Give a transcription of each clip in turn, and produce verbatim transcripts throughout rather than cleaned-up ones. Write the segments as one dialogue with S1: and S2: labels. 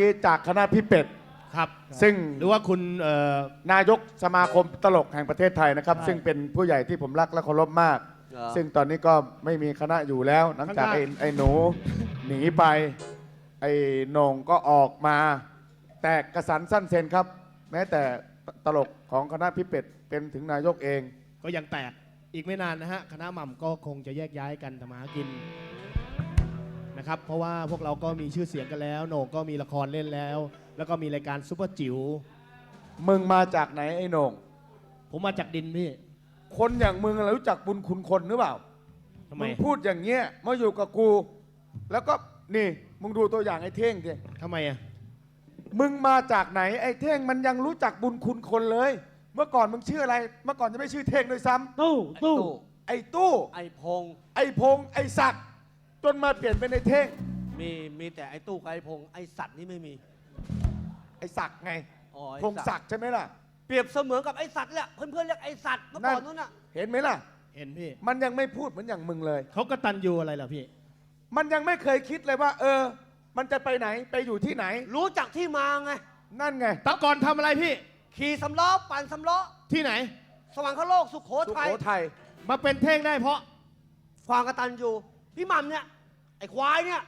S1: กี้จากคณะพี่เป็ด
S2: ครับ
S1: ซึ่ง
S2: หรือว่าคุณเอ่อน
S1: ายกสมาคมตลกแห่งประเทศไทยนะครับ ซึ่งเป็นผู้ใหญ่ที่ผมรักและเคารพมาก
S3: เหรอ
S1: ซึ่งตอนนี้ก็ไม่มีคณะอยู่แล้วหลังจากไอ้ไอ้หนูหนีไป ไอ้โหน่งก็ออกมา แตกกระสันสั้นเซนครับ แม้แต่ตลกของคณะพี่เป็ดเป็นถึงนายกเอง
S2: ก็ยังแตกอีกไม่นานนะฮะคณะหม่ำก็คงจะแยกย้ายกันทำมาหากินนะครับเพราะว่าพวกเราก็มีชื่อเสียงกันแล้วโหน่งก็มีละครเล่นแล้ว แล้วก็มีรายการซุปเปอร์จิ๋ว
S1: มึงมาจากไหนไอ้โหน่ง
S2: ผมมาจากดินพี่
S1: คนอย่างมึงอะไรรู้จักบุญคุณคนหรือเปล่า
S2: ทำไม
S1: มึงพูดอย่างเงี้ยมาอยู่กับกู แล้วก็นี่มึงดูตัวอย่างไอ้เท่งดิ
S2: ทำไมอ่ะ
S1: มึงมาจากไหนไอ้เท่งมันยังรู้จักบุญคุณคนเลย เมื่อก่อนมึงชื่ออะไร เมื่อก่อนจะไม่ชื่อเท่งด้วยซ้ำ
S4: ตู้ตู้
S1: ไอ้ตู้
S3: ไอ้พง
S1: ไอ้พงษ์ไอ้ศักดิ์จนมาเปลี่ยนเป็นไอ้เท่ง
S3: มีมีแต่ไอ้ตู้กับไอ้พงไอ้สัตว์นี่ไม่มี
S1: ไอ้ศักดิ์ไง
S3: อ๋อไอ้
S1: พงษ์ศักดิ์ใช่ไหมล่ะ
S3: เปรียบเสมือนกับไอ้สัตว์แหละเพื่อนๆเรียกไอ้สัตว์เมื่อก่อนนู้นน่ะ
S1: เห็นไหมล่ะ
S2: เห็นพี่
S1: มันยังไม่พูดเหมือนอย่างมึงเลย
S2: เขากระตันยูอะไรล่ะพี่
S1: มันยังไม่เคยคิดเลยว่า เออ มันจะไปไหนไปอยู่ที่ไหน
S3: รู้จักที่มาไง
S1: นั่นไง
S2: แตะก่อนทำอะไรพี่
S3: ขี่สำล้อปั่นสำล้อ
S2: ที่ไหน
S3: สว่างคโลกสุโข
S1: สุ
S3: ทัย
S1: โขทัย
S2: มาเป็นเท่งได้เพราะ
S3: ความกตัญญูพี่หม่ำเนี่ยไอ้ควายเนี่ย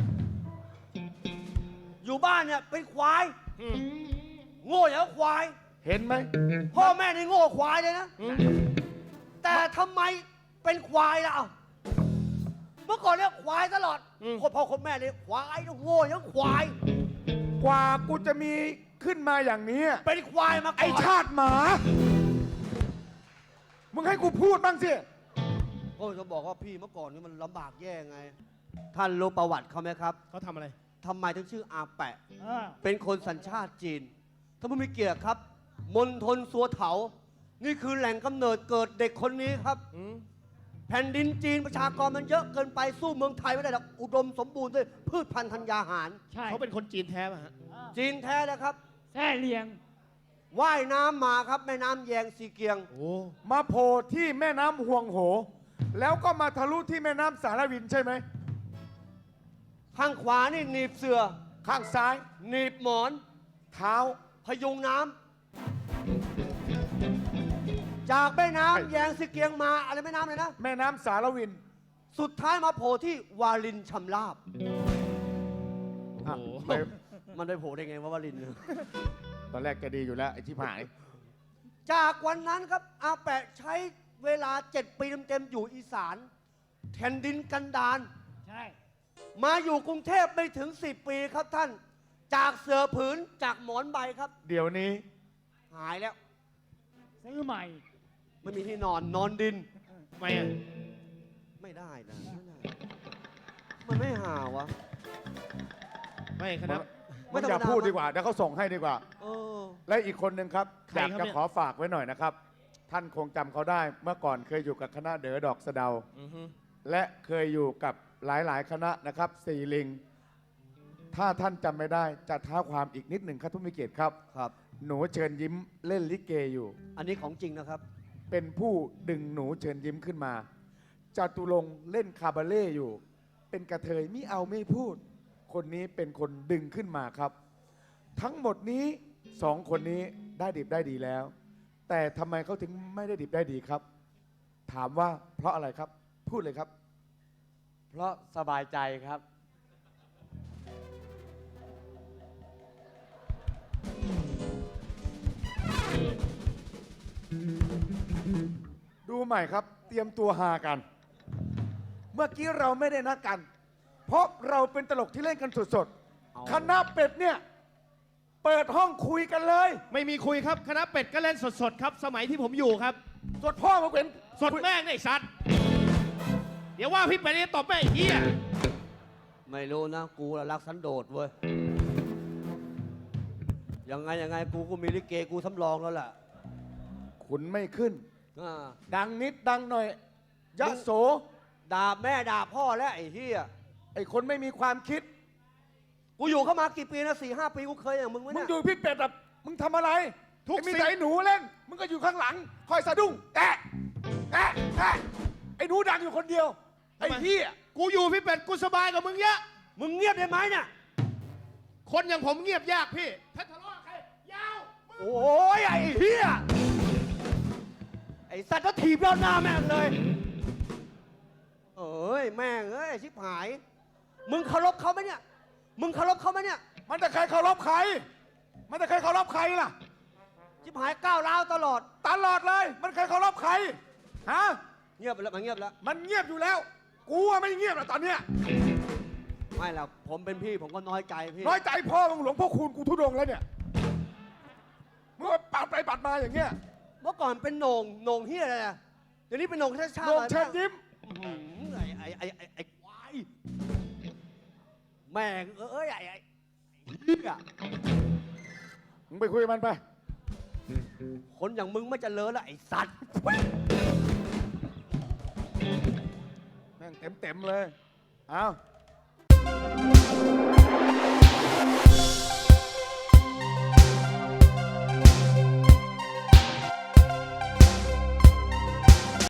S3: อยู่บ้านเนี่ยเป็นควาย
S2: อืม
S3: โง่อย่างกับควาย
S1: เห็นไหม
S3: พ่อแม่นี่โง่ควายเลยนะ
S2: อืม
S3: แต่ทำไมเป็นควายล่ะเอ้าเมื่อก่อนเนี่ยควายตลอดคนพ่อคนแม่เนี่ยควายโง่อย่างควาย
S1: กว่ากูจะมีขึ้นมาอย่างนี้
S3: เป็นควายมาก่อน
S1: ไอ้ชาติหมา มึงให้กูพูดบ้างสิ
S3: ก็จะบอกว่าพี่เมื่อก่อนนี่มันลำบากแย่ไง ท่านรู้ประวัติเขาไหมครับ
S2: เขาทำอะไร
S3: ทำไมถึงชื่ออาแปะ
S4: อ่า
S3: เป็นคนสัญชาติจีนถ้าไม่มีเกียรติครับ มณฑลสัวเถา นี่คือแหล่งกำเนิดเกิดเด็กคนนี้ครับ
S2: อืม
S3: แผ่นดินจีนประชากรมันเยอะเกินไปสู้เมืองไทยไม่ได้หรอกอุดมสมบูรณ์ด้วยพืชพันธุ์ธัญญาหาร
S4: ใช่
S2: เขาเป็นคนจีนแท้ป่ะฮะ
S4: อ่า
S3: จีนแท้นะครับ
S4: แท่เลียง
S3: ว่ายน้ำมาครับแม่น้ำแยงซีเกียง
S2: โอ้
S1: มาโผล่ที่แม่น้ำห่วงโห แล้วก็มาทะลุที่แม่น้ำสารวินใช่ไหม
S3: ข้างขวานี่หนีบเสือ
S1: ข้างซ้าย
S3: หนีบหมอน
S1: เท้า
S3: พยุงน้ำจากแม่น้ำ
S1: ไอ้
S3: แยงซีเกียงมาอะไรแม่น้ำเลยนะ
S1: แม่น้ำสารวิน
S3: สุดท้ายมาโผล่ที่วาลินชำราบ
S2: โอ้โห
S1: ไป
S3: มันไปโผล่ได้ไงว่าวาลินเนี่ย
S1: ตอนแรกก็ดีอยู่แล้ว ไอ้ที่หาย
S3: จากวันนั้นครับอาแปะใช้เวลาเจ็ดปีเต็มๆอยู่อีสานแผ่นดินกันดาร
S4: ใช่
S3: มาอยู่กรุงเทพไม่ถึงสิบปีครับท่าน จากเสือผืนจากหมอนใบครับ
S1: เดี๋ยวนี้
S3: หายแล้ว
S4: ซื้อใหม่
S3: ไม่มีที่นอนนอนดิน
S2: ทำไมอ่ะ
S3: ไม่ได้นะไม่ได้มันไม่หาวะ
S2: ไม่คณะ
S3: ไม่
S1: มัน
S3: ธรรมดา
S1: อย่าพูดดีกว่า เดี๋ยวเขาส่งให้ดีกว่า
S3: เออ
S1: และอีกคนหนึ่งครับ
S2: ใคร
S1: อยาก
S2: ครับ
S1: จะ
S2: เนี่ย
S1: ขอฝากไว้หน่อยนะครับ ท่านคงจำเขาได้ เมื่อก่อนเคยอยู่กับคณะเด๋อดอกสะเดา
S2: อือฮึ
S1: และเคยอยู่กับหลาย ๆ คณะนะครับสี่ลิง ถ้าท่านจำไม่ได้จะท้าความอีกนิดหนึ่งครับทุกมิเกียรติครับ
S3: ครับ
S1: หนูเชิญยิ้มเล่นลิเกอยู่
S3: อันนี้ของจริงนะครับ
S1: เป็นผู้ดึงหนูเชิญยิ้มขึ้นมาจตุรงค์เล่นคาบาเล่อยู่ เป็นกระเทยไม่เอาไม่พูด คนนี้เป็นคนดึงขึ้นมาครับ ทั้งหมดนี้สองคนนี้ได้ดิบได้ดีแล้ว แต่ทำไมเขาถึงไม่ได้ดิบได้ดีครับ ถามว่าเพราะอะไรครับ พูดเลยครับ
S5: เพราะสบายใจครับ
S1: ดูใหม่ครับ เตรียมตัวหากัน เมื่อกี้เราไม่ได้นัดกัน เพราะเราเป็นตลกที่เล่นกันสด
S3: เอา
S1: ๆคณะเป็ดเนี่ยเปิดห้องคุยกันเลย
S2: ไม่มีคุยครับคณะเป็ดก็เล่นสดๆครับ สมัยที่ผมอยู่ครับ
S1: สดพ่อมาเป็น
S2: สดแม่งไอ้สัตว์เดี๋ยวว่าพี่เป็ดจะตบแม่งไอ้เหี้ย
S3: ไม่รู้นะ กูน่ะรักสันโดษเว้ย ยังไงยังไงกูก็มีลิเกกูสำรองแล้วล่ะ
S1: ขุนไม่ขึ้น
S3: อ่า
S1: ดังนิดดังหน่อยยะโส
S3: ด่าแม่ด่าพ่อแล้วไอ้เฮีย
S1: ไอ้คนไม่มีความคิด
S3: กูอยู่เข้ามากี่ปีนะสี่ห้าปีกูเคยอย่างมึงไหม
S1: มึง
S3: เนี่ย
S1: อยู่พี่เป็ดแบบมึงทำอะไร
S2: ทุก
S1: ไอ้มี
S2: สิ่ง
S1: แต่ไอ้หนูเล่น มึงก็อยู่ข้างหลัง คอยสะดุ้งแอะแอะแอะไอ้หนูดังอยู่คนเดียว ไอ้เหี้ย
S2: กูอยู่พี่เป็ดกูสบายกว่ามึงเยอะ
S3: มึงเงียบได้ไหมเนี่ย
S2: คนอย่างผมเงียบยากพี่ ถ้าทะเลาะกับใคร ยาว
S3: โอ้ยไอ้เหี้ย ไอ้สัตว์ก็ถีบยอดหน้าแม่งเลย เอ้ยแม่งเอ้ยชิบหาย มึงเคารพเขาไหมเนี่ย มึงเคารพเขาไหมเนี่ย
S1: มันจะใครเคารพใคร มันจะใครเคารพใครล่ะ
S3: ชิบหายก้าวร้าวตลอด
S1: ตลอดเลย มันใครเคารพใคร ฮะ
S3: เงียบแล้วมันเงียบแล้ว
S1: มันเงียบอยู่แล้ว กูอะไม่เงียบแล้วตอนเนี้ย
S3: ไม่หรอกผมเป็นพี่ผมก็น้อยใจพี่
S1: น้อยใจพ่อมึงหลวงพ่อคูณกูทุดงค์แล้วเนี่ยมึงมาปัดไปปัดมาอย่างเงี้ย
S3: เมื่อก่อนเป็นโหน่งโหน่งเฮียอะไรนะเดี๋ยวนี้เป็นโหน่งชาติชาติ
S1: โหน่งเชิญยิ้ม
S3: อื้อหือไอ้ไอ้ไอ้ไอ้ไอ้ควายแม่งเอ้ยไอ้ไอ้เหี้ย
S1: มึงไปคุยกับมันไป
S3: คนอย่างมึงไม่เจริญละไอ้สัตว์
S1: แม่งเต็มเต็มๆเลย เอา